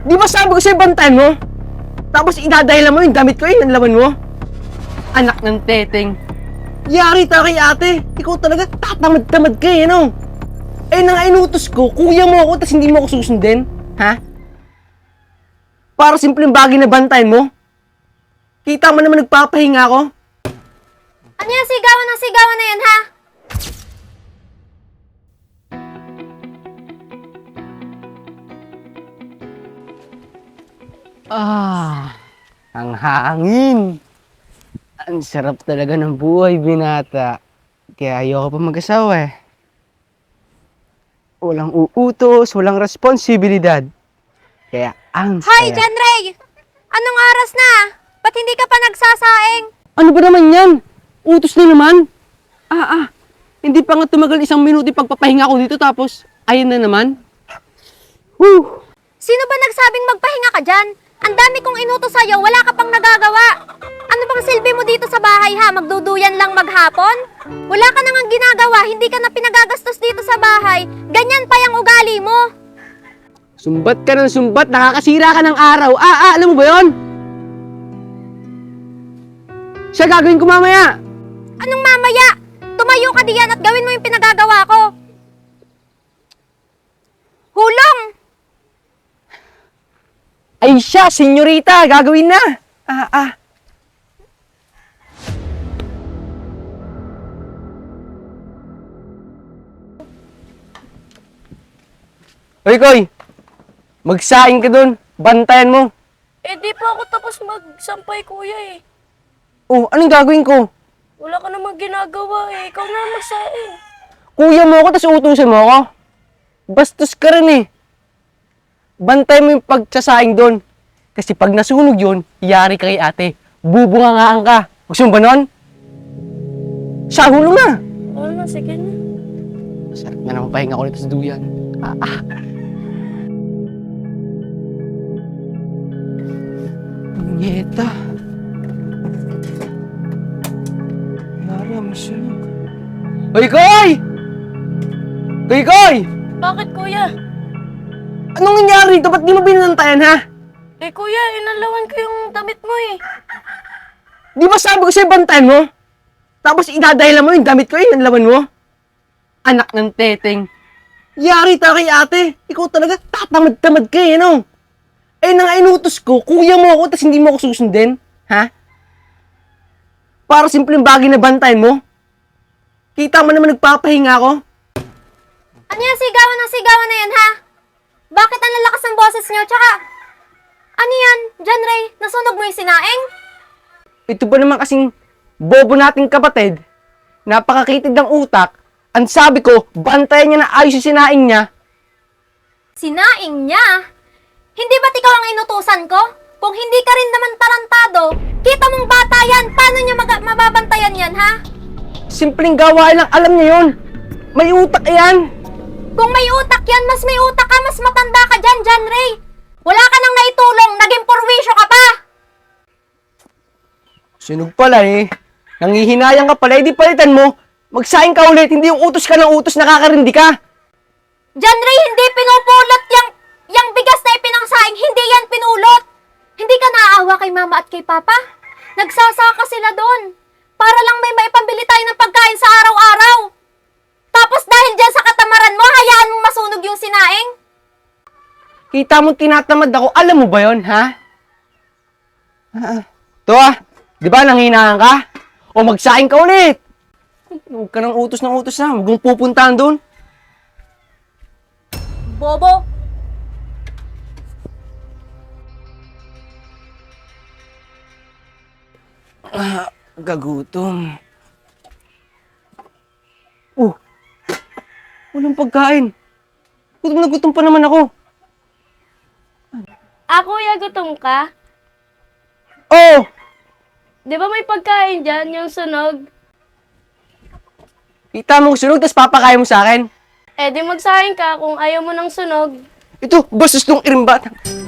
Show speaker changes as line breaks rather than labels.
Di ba sabi ko sa'yo bantayan mo? Tapos idadahilan mo yung damit ko yung laman mo? Anak ng teteng. Yari tayo kay ate. Ikaw talaga tatamad-tamad ka eh, ano? Eh nang inutos ko, kuya mo ako tapos hindi mo ako susundin? Ha? Para simpleng bagay na bantayan mo? Kita mo naman nagpapahinga ako?
Ano yung sigawan ng sigawan na yan, ha?
Ang hangin. Ang sarap talaga ng buhay, binata. Kaya ayoko pa mag-asawa eh. Walang uutos, walang responsibilidad. Kaya ang
Hoy,
saya.
John Ray! Anong oras na? Ba't hindi ka pa nagsasaing?
Ano ba naman yan? Utos na naman? Hindi pa nga tumagal 1 minuto yung pagpapahinga ko dito tapos ayun na naman. Whew!
Sino ba nagsabing magpahinga ka dyan? Ang dami kong inutos sa'yo, wala ka pang nagagawa. Ano bang silbi mo dito sa bahay, ha? Magduduyan lang maghapon? Wala ka nang ginagawa, hindi ka na pinagagastos dito sa bahay. Ganyan pa yung ugali mo.
Sumbat ka ng sumbat, nakakasira ka ng araw. Alam mo ba yon? Siya gagawin ko mamaya.
Anong mamaya? Tumayo ka diyan at gawin mo yung pinagagawa ko. Hulong!
Ay siya, senyorita, gagawin na. Hoy, Koy! Magsaing ka dun. Bantayan mo.
Eh, di pa ako tapos magsampay, kuya eh.
Oh, anong gagawin ko?
Wala ka namang ginagawa eh. Ikaw na magsaing.
Kuya mo ako, tapos utusan mo ako. Bastos ka rin eh. Bantay mo yung pagsasaing doon. Kasi pag nasunog yun, yari ka kay ate. Bubungangaan ka. Gusto mo ba nun? Siya, hulong na.
Oo na, sige na.
Sarap na naman pahinga ko nito sa duyan. Punyeta. Yari, masunog. Hoy, Koy! Koy, Koy!
Bakit, kuya?
Anong nangyari dito? Ba't di mo binantayan, ha?
Eh, kuya, inalawan ko yung damit mo eh.
Di ba sabi ko sa'yo bantayan mo? Tapos idadahilan mo yung damit ko yung laman mo? Anak ng teteng. Yari tayo kay ate. Ikaw talaga tatamad-tamad ka eh, ano? Eh nang inutos ko, kuya mo ako tapos hindi mo ako susundin? Ha? Para simpleng bagay na bantayan mo? Kita mo naman nagpapahinga ako?
Ano yung sigawan ng sigawan na yan, ha? Bakit ang lalakas ng boses niyo? Tsaka, ano yan, John Ray? Nasunog mo yung sinaing?
Ito ba naman kasing bobo nating kapatid? Napakakitid ng utak. Ang sabi ko, bantayan niya na ayos yung sinaing niya.
Sinaing niya? Hindi ba't ikaw ang inutusan ko? Kung hindi ka rin naman tarantado, kita mong bata yan, paano niya mababantayan yan, ha?
Simpleng gawain lang, alam niya yun. May utak yan.
Kung may utak yan, mas may utak ka, mas matanda ka dyan, John Ray. Wala ka nang naitulong, naging purwisyo ka pa.
Sunog pala eh. Nangihinayang ka pala, di palitan mo. Magsaing ka ulit, hindi yung utos ka ng utos, nakakarindi ka.
John Ray, hindi pinupulot yung bigas na ipinangsaing, hindi yan pinulot. Hindi ka naaawa kay mama at kay papa? Nagsasaka sila doon. Para lang may maipambili tayo ng pagkain sa araw-araw. Tapos dahil dyan sa katamaran mo, hayaan mong masunog yung sinaing?
Kita mo tinatamad ako, alam mo ba yon, ha? Ito di ba nanghihinayang ka? O magsaing ka ulit. Huwag ka ng utos na, huwag mong pupuntahan doon.
Bobo.
Gagutom. Walang pagkain. Gutom na gutom pa naman ako.
Kuya, gutom ka?
Oh!
Di ba may pagkain dyan, yung sunog?
Kita mo sunog, tapos papakain mo sa akin.
Eh, di magsaing ka kung ayaw mo ng sunog.
Ito, bastos nung irimbat.